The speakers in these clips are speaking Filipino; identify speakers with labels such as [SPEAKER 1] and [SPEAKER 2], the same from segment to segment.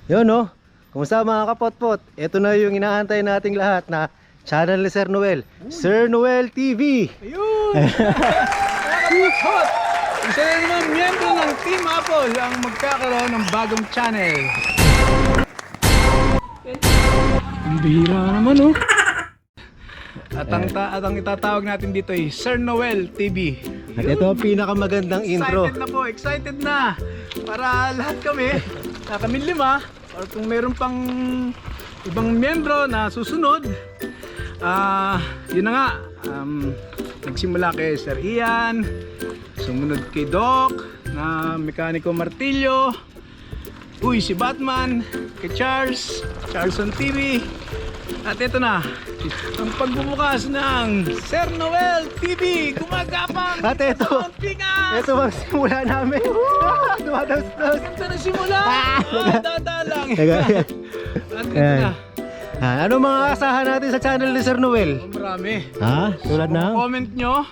[SPEAKER 1] Yun no. Kumusta mga kapotpot? Ito na yung inaantay nating lahat na channel ni Sir Noel. Sir Noel TV.
[SPEAKER 2] Ayun! Mga kapot! Isa na naman miyembro ng Team Apple ang magkakaroon ng bagong channel. Ang bihira naman oh. At ang itatawag natin dito ay Sir Noel TV.
[SPEAKER 1] At ito ang pinakamagandang intro.
[SPEAKER 2] Excited na po, excited na. Para lahat kami lima, or kung meron pang ibang miyembro na susunod, yun na nga, nagsimula kay Sir Ian, sumunod kay Doc na Mekaniko Martilyo, si Batman, kay Charleston TV, at ito na ang pagbubukas ng Sir Noel TV, gumagapang
[SPEAKER 1] At ito, ito ang simula namin. Dumados-dos.
[SPEAKER 2] Ito na simula. Dadalang. At ito
[SPEAKER 1] Ayan.
[SPEAKER 2] na.
[SPEAKER 1] Ano mga asahan natin sa channel ni Sir Noel?
[SPEAKER 2] Marami.
[SPEAKER 1] Ha? Tulad na?
[SPEAKER 2] Comment nyo.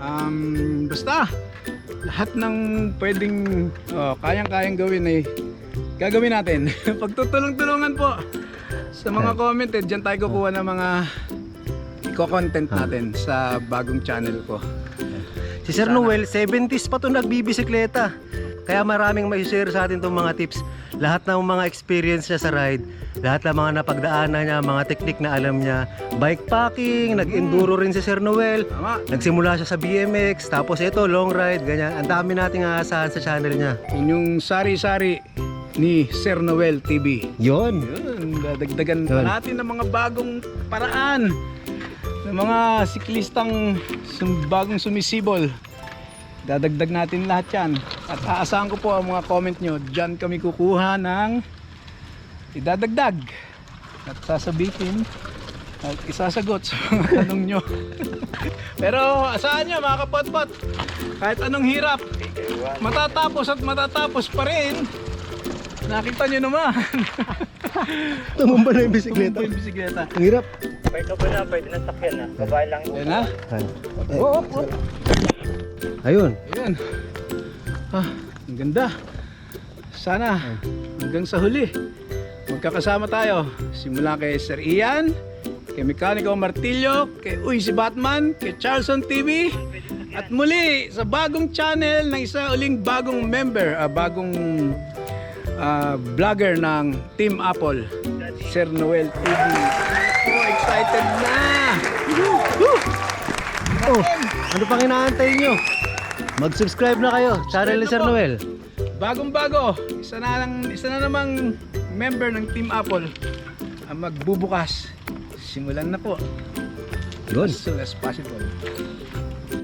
[SPEAKER 2] Basta lahat ng pwedeng kayang-kayang gawin ay gagawin natin. Pagtutulong-tulungan po sa mga comment, dyan tayo kukuha ng mga i-content natin sa bagong channel ko.
[SPEAKER 1] Si Sir Noel, 70s pa to nagbibisikleta. Kaya maraming may share sa atin itong mga tips. Lahat ng mga experience niya sa ride, lahat ng mga napagdaanan niya, mga teknik na alam niya. Bikepacking, nag-enduro rin si Sir Noel.
[SPEAKER 2] Tama.
[SPEAKER 1] Nagsimula siya sa BMX, tapos ito, long ride, ganyan. Ang dami nating aasahan sa channel niya.
[SPEAKER 2] Yun yung sari-sari ni Sir Noel TV.
[SPEAKER 1] Yon.
[SPEAKER 2] Yun, dadagdagan pa natin ng mga bagong paraan ng mga siklistang bagong sumisibol. Dadagdag natin lahat yan. At aasahan ko po ang mga comment nyo. Diyan kami kukuha ng idadagdag at sasabihin at isasagot sa mga tanong nyo. Pero asahan nyo mga kapotpot, kahit anong hirap, matatapos at matatapos pa rin. Nakita nyo naman.
[SPEAKER 1] Tumumba na yung bisikleta.
[SPEAKER 2] Tumumba yung bisikleta.
[SPEAKER 1] Ang hirap.
[SPEAKER 3] Pwede na sakyan na. Babae lang.
[SPEAKER 2] Yan na.
[SPEAKER 1] Ayun.
[SPEAKER 2] Ayan. Ang ganda. Sana hanggang sa huli magkakasama tayo. Simula kay Sir Ian, kay Mekaniko Martilyo, kay si Batman, kay Charleston TV, at muli sa bagong channel ng isa uling bagong member, bagong vlogger ng Team Apple, Sir Noel TV. Excited na!
[SPEAKER 1] Ano pang inaantay nyo? Mag-subscribe na kayo, channel ni Sir Noel.
[SPEAKER 2] Bagong-bago, isa na namang member ng Team Apple ang magbubukas. Simulan na po.
[SPEAKER 1] Good.
[SPEAKER 2] As soon as possible.